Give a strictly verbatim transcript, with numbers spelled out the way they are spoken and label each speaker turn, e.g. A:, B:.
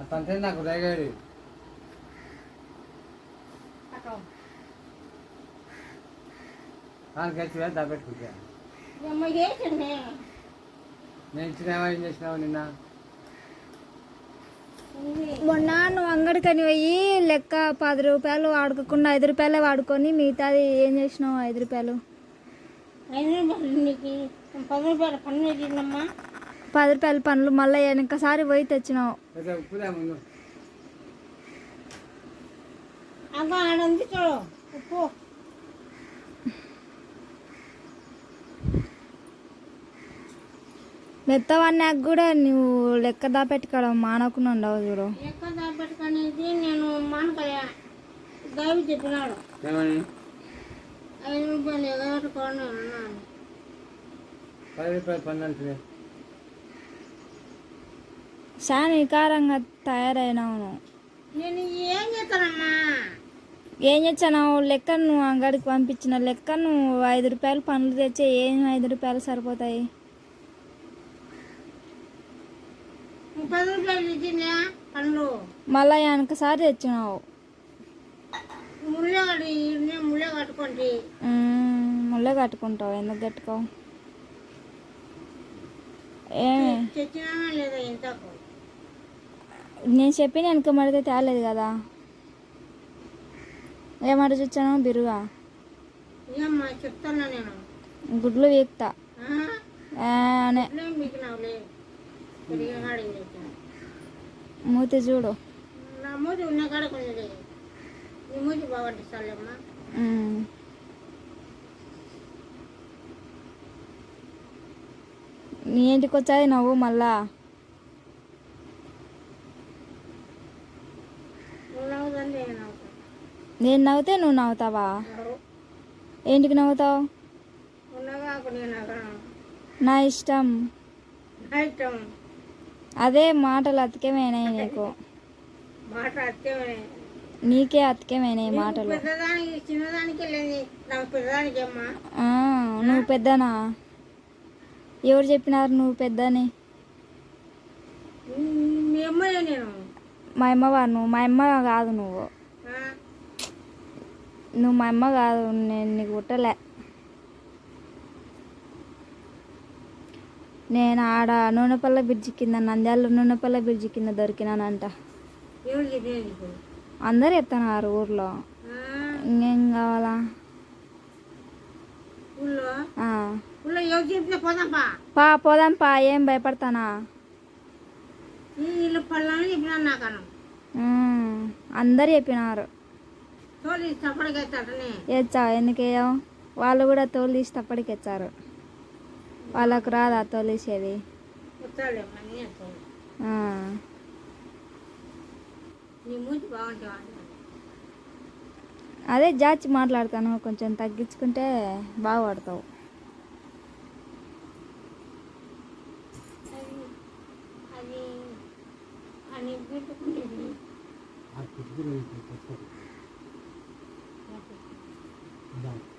A: పంటే నాకు రేగాడు దానికి వచ్చి దాపెట్టుకుంటా నేను ఇచ్చినావా ఏం చేసినావు నిన్న
B: మొన్న నువ్వు అంగడికని పోయి లెక్క పది రూపాయలు వాడుకోకుండా ఐదు రూపాయలే వాడుకొని మిగతాది ఏం చేసినావు ఐదు రూపాయలు
C: ఐదు రూపాయలు పది రూపాయల పన్ను తిన్నమ్మా
B: పది రూపాయల పనులు మళ్ళీ వెనకసారి పోయి తెచ్చినావు
C: అబ్బా ఆడంది చూడు ఉప్పు
B: మెత్తవన్నాక కూడా నువ్వు లెక్క దాపెట్టుకోవడం మానకుండా ఉండవు చూడు
C: లెక్క దాపెట్టుకునేది నేను మానకలే గావి చెప్పినాడు ఐదు రూపాయలు ఎగబెట్టుకోండి అన్నాను
A: పది రూపాయలు పన్ను అంటే
B: చాలా వికారంగా తయారైనావు
C: నేను ఏం చేస్తానమ్మా
B: ఏం చేస్తాను లెక్క నువ్వు అంగడికి పంపించిన లెక్క నువ్వు ఐదు రూపాయలు పనులు తెచ్చే ఏం ఐదు రూపాయలు సరిపోతాయి
C: పది రూపాయలు తెచ్చిందా పండ్లు
B: మళ్ళీ వెనకసారి తెచ్చినావు
C: ముళ్ళే కట్టి ముళ్ళే కట్టుకోండి
B: ముళ్ళే కట్టుకుంటావు ఎందుకు కట్టుకోవు ఏమి
C: తెచ్చినా లేదా ఇంతకు
B: నేను చెప్పిన వెనక మడితే తేలేదు కదా ఏమాట చూచాను బిరుగా
C: ఏమ్మా చెప్తానా నేను
B: గుడ్లు వీక్తా
C: మీకునావులే
B: మూతి చూడు
C: నా మూతి ఉన్న కాడ కొంచెం నీ మూతి బాగుంటుందమ్మా
B: నీ ఇంటికి వచ్చాది నవ్వు మళ్ళా నేను నవ్వుతే నువ్వు నవ్వుతావా ఏంటికి నవ్వుతావు నా ఇష్టం అదే మాటలు అతికేమైనాయి నీకు నీకే అతికేమైనాయి మాటలు నువ్వు పెద్దనా ఎవరు చెప్పినారు నువ్వు పెద్దని మా అమ్మవా నువ్వు మా అమ్మ కాదు నువ్వు నువ్వు మా అమ్మ కాదు నేను నీకు పుట్టలే నేను ఆడ నూనెపల్ల బ్రిడ్జి కింద నంద్యాల నూనెపల్ల బ్రిడ్జి కింద దొరికినానంట అందరు ఎత్తన్నారు ఊర్లో ఇంకేం కావాలా పా పోదాం పా ఏం భయపడతానా అందరు చెప్పినారు ఎచ్చా ఎందుకేయో వాళ్ళు కూడా తోలు తీసి తప్పటికి ఎచ్చారు వాళ్ళకు రాదా తోలేసేది అదే జాచి మాట్లాడతాను కొంచెం తగ్గించుకుంటే బాగుపడతావు
A: అది